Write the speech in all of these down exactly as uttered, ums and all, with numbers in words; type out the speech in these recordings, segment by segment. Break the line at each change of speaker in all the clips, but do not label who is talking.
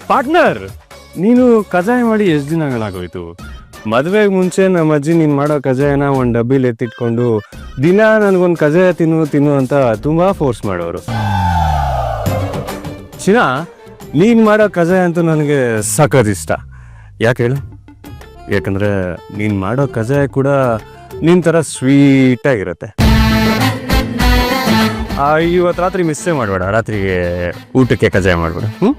Partner, ನೀನು ಕಜಾಯ ಮಾಡಿ ಎಷ್ಟು ದಿನಗಳಾಗೋಯ್ತು? ಮದುವೆಗೆ ಮುಂಚೆ ನಮ್ಮ ಅಜ್ಜಿ ನೀನು ಮಾಡೋ ಕಜಾಯನ ಒಂದು ಡಬ್ಬಿಲಿ ಎತ್ತಿಟ್ಕೊಂಡು ದಿನ ನನಗೊಂದು ಕಜಾಯ ತಿನ್ನು ತಿನ್ನು ಅಂತ ತುಂಬ ಫೋರ್ಸ್ ಮಾಡೋರು. ಚಿನ್ನ, ನೀನು ಮಾಡೋ ಕಜಾಯ ಅಂತೂ ನನಗೆ ಸಖತ್ ಇಷ್ಟ. ಯಾಕೆ ಹೇಳು? ಯಾಕಂದರೆ ನೀನು ಮಾಡೋ ಕಜಾಯ ಕೂಡ ನಿನ್ನ ಥರ ಸ್ವೀಟಾಗಿರುತ್ತೆ. ಇವತ್ತು ರಾತ್ರಿ ಮಿಸ್ಸೇ ಮಾಡಬೇಡ, ರಾತ್ರಿಗೆ ಊಟಕ್ಕೆ ಕಜಾಯ ಮಾಡಬೇಡ. ಹ್ಞೂ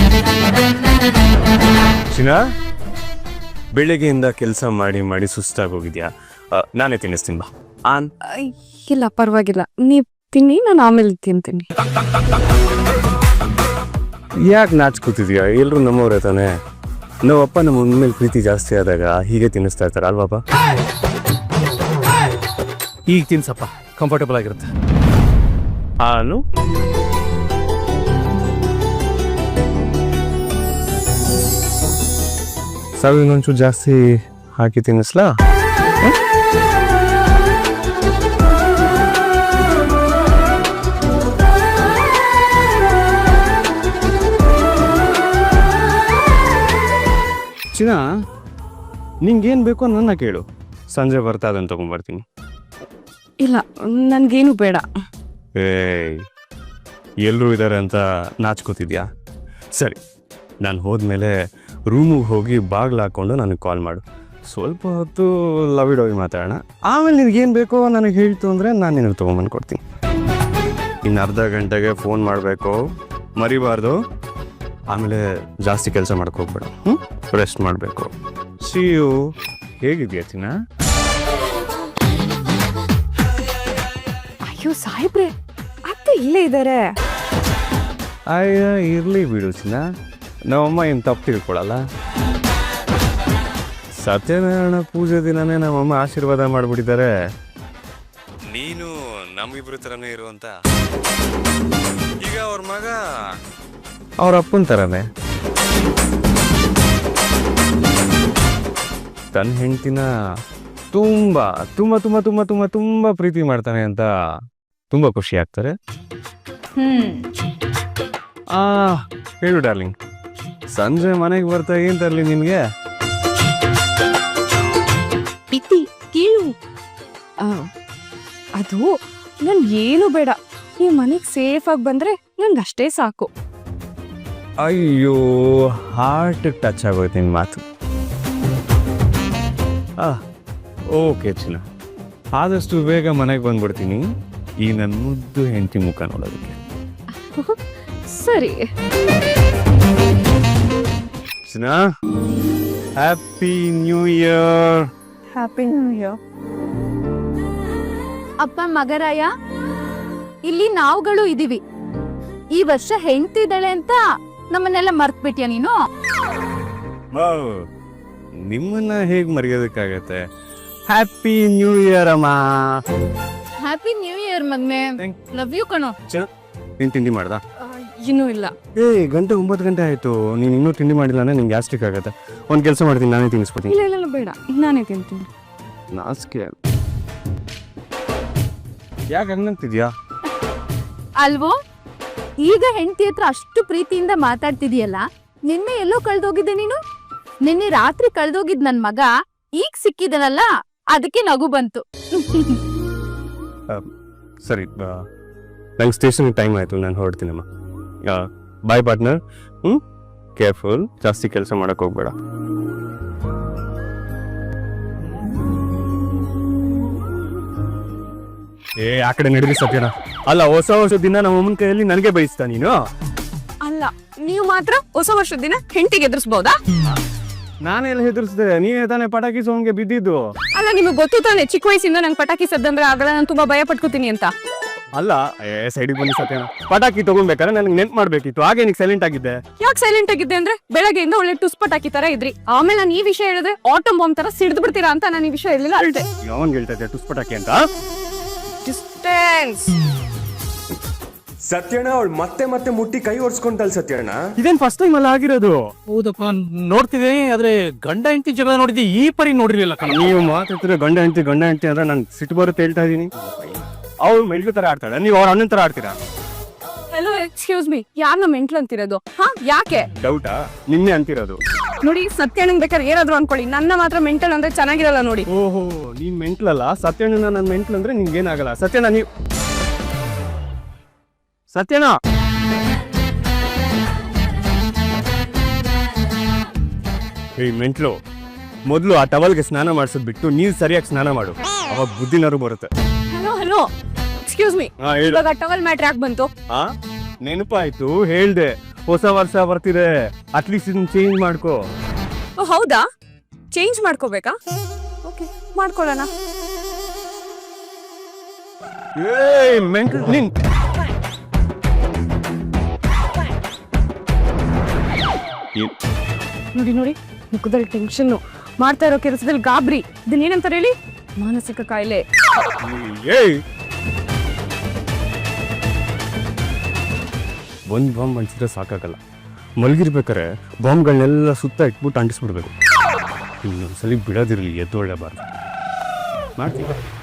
ಚಿನ್ನ, ಬೆಳಿಗ್ಗೆಯಿಂದ ಕೆಲಸ ಮಾಡಿ ಮಾಡಿ ಸುಸ್ತಾಗಿ ಹೋಗಿದ್ಯಾ? ನಾನೇ ತಿನ್ನಿಸ್ತೀನಿ ಬಾ. ಆನ್
ಇಲ್ಲ ಪರವಾಗಿಲ್ಲ, ನೀವು ತಿನ್ನಿ, ನಾನು ಆಮೇಲೆ ತಿಂತೀನಿ.
ಯಾಕೆ ನಾಚ್ಕೋತಿದ್ಯಾ? ಎಲ್ಲರೂ ನಮ್ಮವ್ರೆ ತಾನೆ. ನಾವಪ್ಪ ನಮ್ಮ ಮೇಲೆ ಪ್ರೀತಿ ಜಾಸ್ತಿ ಆದಾಗ ಹೀಗೆ ತಿನ್ನಿಸ್ತಾ ಇರ್ತಾರೆ ಅಲ್ವಾಪ?
ಈಗ ತಿನ್ಸಪ್ಪ, ಕಂಫರ್ಟಬಲ್ ಆಗಿರುತ್ತೆ.
ಹಾಲು ಸಾವಿನೊಂಚೂರು ಜಾಸ್ತಿ ಹಾಕಿ ತಿನ್ನಿಸ್ಲಾ? ಚಿನ್ನ, ನಿಂಗೇನು ಬೇಕೋ ನನ್ನ ಕೇಳು, ಸಂಜೆ ಬರ್ತಾ ಅದನ್ನು ತೊಗೊಂಡ್ಬರ್ತೀನಿ.
ಇಲ್ಲ, ನನಗೇನು ಬೇಡ.
ಏಯ್, ಎಲ್ಲರೂ ಇದ್ದಾರೆ ಅಂತ ನಾಚ್ಕೋತಿದ್ಯಾ? ಸರಿ, ನಾನು ಹೋದ್ಮೇಲೆ ರೂಮಿಗೆ ಹೋಗಿ ಬಾಗಿಲು ಹಾಕ್ಕೊಂಡು ನನಗೆ ಕಾಲ್ ಮಾಡು. ಸ್ವಲ್ಪ ಹೊತ್ತು ಲವಿಡೋಗಿ ಮಾತಾಡೋಣ. ಆಮೇಲೆ ನಿನಗೇನು ಬೇಕೋ ನನಗೆ ಹೇಳ್ತು ಅಂದರೆ ನಾನು ನಿನಗೆ ತೊಗೊಂಬಂದು ಕೊಡ್ತೀನಿ. ಇನ್ನು ಅರ್ಧ ಗಂಟೆಗೆ ಫೋನ್ ಮಾಡಬೇಕು, ಮರಿಬಾರ್ದು. ಆಮೇಲೆ ಜಾಸ್ತಿ ಕೆಲಸ ಮಾಡ್ಕೋಗ್ಬೇಡ. ಹ್ಞೂ ರೆಸ್ಟ್ ಮಾಡಬೇಕು. C you. ಹೇಗಿದೆಯಾ ಚಿನ್ನ?
ಅಯ್ಯೋ ಸಾಹೇಬ್ರೆ, ಅತ್ತೆ ಇಲ್ಲೇ ಇದ್ದಾರೆ.
ಅಯ್ಯ, ಇರಲಿ ಬಿಡು ಚಿನ್ನ, ನಮ್ಮಮ್ಮ ಏನು ತಪ್ಪು ತಿಳ್ಕೊಳಲ್ಲ. ಸತ್ಯನಾರಾಯಣ ಪೂಜೆ ದಿನನೇ ನಮ್ಮಮ್ಮ ಆಶೀರ್ವಾದ ಮಾಡಿಬಿಟ್ಟಿದ್ದಾರೆ, ನೀನು ನಮ್ಮಿಬ್ರು ಥರನೇ ಇರುವಂತ. ಈಗ ಅವ್ರ ಮಗ ಅವ್ರ ಅಪ್ಪನ ಥರನೇ ತನ್ನ ಹೆಂಡ್ತಿನ ತುಂಬ ತುಂಬ ತುಂಬ ತುಂಬ ತುಂಬ ತುಂಬ ಪ್ರೀತಿ ಮಾಡ್ತಾನೆ ಅಂತ ತುಂಬ ಖುಷಿ ಆಗ್ತಾರೆ. ಆ ಹೇಳು ಡಾರ್ಲಿಂಗ್, ಸಂಜೆ ಮನೆಗೆ ಬರ್ತಾ ಏನ್ ತರಲಿ ನಿನ್ಗೆ?
ಪಿತಿ ಕೀಳು. ಅದು ನನ್ ಏನು ಬೇಡ, ನೀವು ಮನೆಗೆ ಸೇಫ್ ಆಗಿ ಬಂದ್ರೆ ನನ್ಗೆ ಅಷ್ಟೇ ಸಾಕು.
ಅಯ್ಯೋ, ಹಾರ್ಟ್ ಟಚ್ ಆಗೋಯ್ತು ನಿನ್ನ ಮಾತು. ಆ ಓಕೆ ಚಿನ್ನ, ಆದಷ್ಟು ಬೇಗ ಮನೆಗೆ ಬಂದ್ಬಿಡ್ತೀನಿ ಈ ನನ್ನ ಮುದ್ದು ಹೆಂಡತಿ ಮುಖ ನೋಡೋದಕ್ಕೆ.
ಸರಿ
ಚಿನ್ನ, happy new year.
Happy new year.
ಅಪ್ಪ ಮಗರಾಯ, ಇಲ್ಲಿ ನಾವುಗಳು ಇದೀವಿ. ಈ ವರ್ಷ ಹೆಂಡ್ತಿದ್ದಾಳೆ ಅಂತ ನಮ್ಮನ್ನೆಲ್ಲ ಮರ್ತ್ಬಿಟ್ಯಾ ನೀನು?
ನಿಮ್ಮನ್ನ ಹೇಗ್ ಮರೆಯೋದಕ್ಕಾಗತ್ತೆ? ಹ್ಯಾಪಿ ನ್ಯೂ ಇಯರ್ ಅಮ್ಮ.
ಹ್ಯಾಪಿ ನ್ಯೂ ಇಯರ್ ಮಗ್ನೆ. ಲವ್ ಯು ಕಣೋ.
ನೀನ್ ತಿಂಡಿ ಮಾಡ್ದ?
ಇನ್ನೂ ಇಲ್ಲ.
ಏ, ಗಂಟೆ ಒಂಬತ್ತು ಗಂಟೆ ಆಯ್ತು, ನೀನು ಇನ್ನೂ ತಿಂಡಿ ಮಾಡಿಲ್ಲ ಅಂದ್ರೆ ನಿಂಗೆ ಗ್ಯಾಸ್ಟ್ರಿಕ್ ಆಗತ್ತೆ. ಒಂದು ಕೆಲಸ ಮಾಡ್ತೀನಿ, ನಾನೇ ತಿನ್ನಿಸ್ಬಿಡ್ತೀನಿ.
ಇಲ್ಲ ಇಲ್ಲ ಬೇಡ, ನಾನೇ ತಿಂತೀನಿ.
ನಾಚಿಕೆ ಯಾಕೆ ಹಂಗಂತಿದ್ಯಾ?
ಅಲ್ವೋ, ಈಗ ಹೆಂಡತಿ ಹತ್ರ ಅಷ್ಟು ಪ್ರೀತಿಯಿಂದ ಮಾತಾಡ್ತಿದೀಯಲ್ಲ, ನಿನ್ನೆ ಎಲ್ಲೋ ಕಳ್ದೋಗಿದ್ದೆ ನೀನು. ನಿನ್ನೆ ರಾತ್ರಿ ಕಳ್ದೋಗಿದ್ ನನ್ ಮಗ ಈಗ ಸಿಕ್ಕಿದನಲ್ಲ, ಅದಕ್ಕೆ ನಗು ಬಂತು.
ಸರಿ, ನಂಗೆ ಸ್ಟೇಷನ್ ಟೈಮ್ ಆಯ್ತು, ನಾನು ಹೊರಡ್ತೀನಮ್ಮ. ಬಾಯ್ ಪಾರ್ಟ್ನರ್. ಹ್ಞೂ ಕೇರ್ಫುಲ್, ಜಾಸ್ತಿ ಕೆಲಸ ಮಾಡಕ್ ಹೋಗ್ಬೇಡ. ಏ, ಆ ಕಡೆ ನಡೀರಿ ಸತ್ಯನ. ಅಲ್ಲ, ಹೊಸ ವರ್ಷದ ದಿನ ನಮ್ಮ ಅಮ್ಮನ ಕೈಯಲ್ಲಿ ನನಗೆ ಬಯಸ್ತಾ ನೀನು?
ಅಲ್ಲ, ನೀವು ಮಾತ್ರ ಹೊಸ ವರ್ಷದ ದಿನ ಹೆಂಡತಿಗೆ ಎದುರಿಸಬಹುದಾ?
ನಾನೆಲ್ಲ ಹೆದರ್ಸ್ದೆ, ನೀವೇ ತಾನೇ ಪಟಾಕಿ ಸೌಂಡ್ಗೆ ಬಿದ್ದಿದ್ದು.
ಅಲ್ಲ, ನಿಮಗೆ ಗೊತ್ತು ತಾನೆ ಚಿಕ್ಕ ವಯಸ್ಸಿಂದ ನಂಗೆ ಪಟಾಕಿ ಸದ್ದಂದ್ರೆ ಆಗಲ್ಲ, ನಾನು ತುಂಬಾ ಭಯ ಪಟ್ಕೋತೀನಿ ಅಂತ.
ಅಲ್ಲ, ಏ ಸೈಡಿಗೆ ಬನ್ನಿ ಸತ್ಯನ. ಪಟಾಕಿ ತಗೊಂಡ್ಬೇಕಾದ್ರೆ ನನಗೆ ನೆನ್ಪು ಮಾಡ್ಬೇಕಿತ್ತು, ಹಾಗೆ ನೀನು ಸೈಲೆಂಟ್ ಆಗಿದ್ದೆ.
ಯಾಕೆ ಸೈಲೆಂಟ್ ಆಗಿದ್ದೆ ಅಂದ್ರೆ, ಬೆಳಗ್ಗೆಯಿಂದ ಒಳ್ಳೆ ಟುಸ್ ಪಟಾಕಿ ತರ ಇದ್ರಿ, ಆಮೇಲೆ ನಾನು ಈ ವಿಷಯ ಹೇಳಿದ್ರೆ ಆಟಮ್ ಬಾಂಬ್ ತರ ಸಿಡ್ದು ಬಿಡ್ತೀರಾ ಅಂತ ನಾನು ಈ ವಿಷಯ ಹೇಳಿಲ್ಲ ಅಳ್ದೆ.
ಯಾವನ್ ಹೇಳ್ತಾ ಇದ್ದೆ ಟುಸ್ ಪಟಾಕಿ ಅಂತ?
ಡಿಸ್ಟೆನ್ಸ್.
ಸತ್ಯಣ್ಣ, ಅವಳು ಮತ್ತೆ ಮತ್ತೆ ಮುಟ್ಟಿ ಕೈ ಒರ್ಸ್ಕೊಂತಲ್ ಸತ್ಯಣ್ಣ.
ಇದೇನ್ ಫಸ್ಟ್ ಟೈಮ್ ಅಲ್ಲ ಆಗಿರೋದು?
ಹೌದಪ್ಪ, ನೋಡ್ತಿದ್ದೀನಿ, ಆದ್ರೆ ಗಂಡ ಹೆಂಡತಿ ಜಗಳ ನೋಡಿದ್ದೆ, ಈ ಪರಿ ನೋಡಿರ್ಲಿಲ್ಲ ಕಣ.
ನೀವು ಮಾತಾಡ್ತಿರೋ ಗಂಡ ಹೆಂಡತಿ ಗಂಡ ಹೆಂಡತಿ ಅಂದ್ರೆ ನಾನು ಸಿಟ್ಟು ಬರುತ್ತೆ ಹೇಳ್ತಾ ಇದೀನಿ. ಅವ್ರು ಮೆಲ್ಲು ತರ ಆಡ್ತಾಳೆ, ನೀವು ಅವ್ರ ಅಣ್ಣನ ತರ ಆಡ್ತೀರಾ?
ಹಲೋ ಎಕ್ಸ್ಕ್ಯೂಸ್ ಮೀ ಯಾರನ್ನ ಮೆಂಟ್ಲು ಅಂತಿರೋದು ಹಾ ಯಾಕೆ
ಡೌಟಾ ನಿನ್ನೆ ಅಂತಿರೋದು.
ನೋಡಿ ಸತ್ಯಣ್ಣಂಗ್ ಬೇಕಾದ್ರೆ ಏನಾದ್ರು ಅನ್ಕೊಳ್ಳಿ, ನನ್ನ ಮಾತ್ರ ಮೆಂಟಲ್ ಅಂದ್ರೆ ಚೆನ್ನಾಗಿರಲ್ಲ ನೋಡಿ.
ಓಹೋ ನೀನ್ ಮೆಂಟ್ಲಲ್ಲ, ಸತ್ಯಣ್ಣ ನನ್ನ ಮೆಂಟ್ಲ್ ಅಂದ್ರೆ ನಿಂಗೆ ಏನಾಗಲ್ಲ. ಸತ್ಯಣ್ಣ ನೀವು ಸತ್ಯಣ್ಣ ಏಯ್ ಮೆಂಟ್ಲು, ಮೊದಲು ಆ ಟವಲ್ಗೆ ಸ್ನಾನ ಮಾಡಿಸೋದ್ ಬಿಟ್ಟು ನೀರು ಸರಿಯಾಗಿ ಸ್ನಾನ ಮಾಡು, ಅವಾಗ ಬುದ್ಧಿನಾರು ಬರುತ್ತೆ.
ಹಲೋ ಹಲೋ ಎಕ್ಸ್ಕ್ಯೂಸ್ ಮೀ,
ಹಾ ಹೇಳು.
ಇವಾಗ ಟವಲ್ ಮ್ಯಾಟ್ರ್ ಯಾಕೆ ಬಂತು?
ಹಾ ನೆನಪಾಯ್ತು, ಹೇಳ್ದೆ ಹೊಸ ವರ್ಷ ಬರ್ತಿದೆ, ಅಟ್ಲೀಸ್ಟ್ ಇದನ್ನ ಚೇಂಜ್ ಮಾಡ್ಕೋ.
ಓ ಹೌದಾ, ಚೇಂಜ್ ಮಾಡ್ಕೋಬೇಕಾ? ಓಕೆ ಮಾಡ್ಕೊಳ್ಳೋಣ.
ಏಯ್ ಮೆಂಟ್ಲ್ ನಿನ್ ಏನ್-
ನೋಡಿ ನೋಡಿ ಮುಖದಲ್ಲಿ ಟೆನ್ಷನ್, ಮಾಡ್ತಾ ಇರೋ ಕೆಲಸದಲ್ಲಿ ಗಾಬರಿ, ಇದನ್ನೇನಂತಾರೆ ಹೇಳಿ? ಮಾನಸಿಕ ಕಾಯಿಲೆ.
ಏಯ್ ಒಂದ್ ಬಾಂಬ್ ಅಂಟಿಸಿದ್ರೆ ಸಾಕಾಗಲ್ಲ, ಮಲಗಿರ್ಬೇಕಾರೆ ಬಾಂಬ್ಗಳನ್ನೆಲ್ಲ ಸುತ್ತ ಇಟ್ಬಿಟ್ಟು ಅಂಟಿಸ್ಬಿಡ್ಬೇಕು. ಇನ್ನೊಂದ್ಸಲಿ ಬಿಡೋದಿರಲಿ, ಎದ್ದೊಳ್ಳೆಬಾರ್ದು. ಮಾಡ್ತೀವಿ.